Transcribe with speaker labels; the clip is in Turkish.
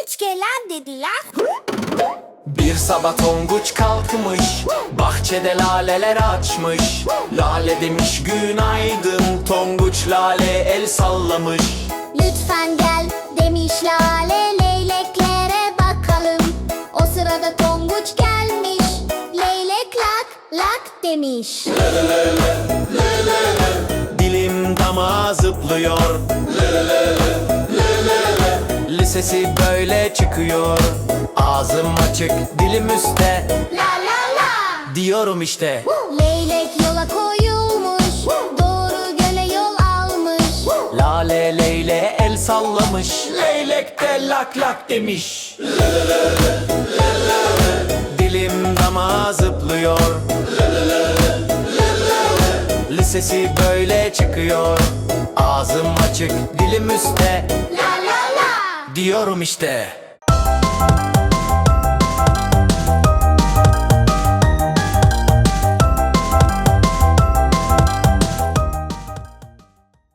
Speaker 1: Tonguç gelen dediler.
Speaker 2: Bir sabah Tonguç kalkmış, bahçede laleler açmış. Lale demiş günaydın, Tonguç Lale el sallamış.
Speaker 1: Lütfen gel demiş Lale, leyleklere bakalım. O sırada Tonguç gelmiş, leylek lak lak demiş.
Speaker 2: Dilim damağa zıplıyor, lisesi böyle çıkıyor. Ağzım açık, dilim üstte,
Speaker 1: La la la.
Speaker 2: diyorum işte.
Speaker 1: Leylek yola koyulmuş, doğru göle yol almış.
Speaker 2: Lale leyle el sallamış, leylek de lak lak demiş. Dilim damağa zıplıyor, lisesi böyle çıkıyor. Ağzım açık, dilim üstte,
Speaker 1: La la la.
Speaker 2: diyorum işte.